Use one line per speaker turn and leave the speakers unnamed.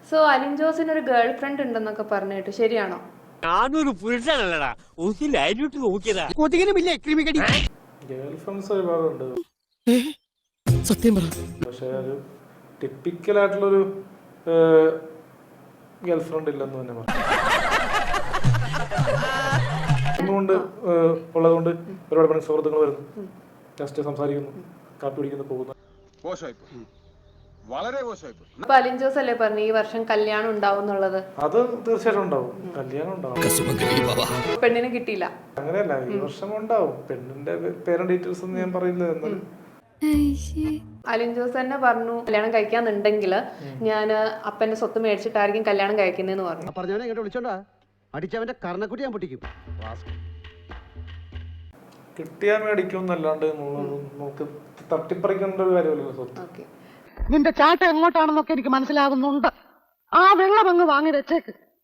So Alin ജോസിന് ഒരു girl friend ഉണ്ടെന്നൊക്കെ പറഞ്ഞു കേട്ടു, ശരിയാണോ?
ഞാനൊരു പുരുഷനല്ലടാ, ഒന്ന് ലൈനിട്ട് നോക്കിയതാ. കൊതുകിനുമില്ലേ ക്രിമികടി.
ഗേൾ ഫ്രണ്ട്സ് ഒരുപാടുണ്ട്,
സത്യം പറ.
പക്ഷെ ഒരു ടിപ്പിക്കലായിട്ടുള്ളൊരു ഗേൾ ഫ്രണ്ട് ഇല്ലെന്ന് തന്നെ പറയാം. ഇന്നുകൊണ്ട് ഉള്ളതുകൊണ്ട് ഒരുപാട് പണി സുഹൃത്തുക്കൾ വരുന്നു, ജസ്റ്റ് സംസാരിക്കുന്നു, കാപ്പി പിടിക്കുന്നു, പോകുന്നു.
വളരെ മോശമായി.
അപ്പൊ അലിൻ ജോസ് അല്ലേ പറഞ്ഞു ഈ വർഷം കല്യാണം ഉണ്ടാവും എന്നുള്ളത്?
അത് തീർച്ചയായിട്ടും ഉണ്ടാവും, കല്യാണം ഉണ്ടാവും.
പെണ്ണിന് കിട്ടിയില്ല
അങ്ങനെയല്ല, ഈ വർഷം ഉണ്ടാവും. പെണ്ണിന്റെ പേരന്റ് ഡീറ്റെയിൽസ് ഒന്നും ഞാൻ പറയില്ല. എന്നാലും
അലിൻ ജോസ് തന്നെ പറഞ്ഞു കല്യാണം കഴിക്കാന്നുണ്ടെങ്കിൽ ഞാൻ അപ്പന്റെ സ്വത്ത് മേടിച്ചിട്ടായിരിക്കും കല്യാണം കഴിക്കുന്നതെന്ന് പറഞ്ഞു.
പറഞ്ഞവനെ ഇങ്ങോട്ട് വിളിച്ചോണ്ടാ അടിച്ചവന്റെ കർണക്കുട്ടി ഞാൻ പൊട്ടിക്കും.
കിട്ടിയാൽ മേടിക്കും എന്നല്ലാണ്ട് നമുക്ക് തട്ടിപ്പറിക്കേണ്ട ഒരു കാര്യമല്ലല്ലോ സ്വത്ത്.
ഓക്കെ,
നിന്റെ ചാട്ട എങ്ങോട്ടാണെന്നൊക്കെ എനിക്ക് മനസ്സിലാകുന്നുണ്ട്. ആ വെള്ളം അങ്ങ് വാങ്ങി വെച്ചേക്ക്.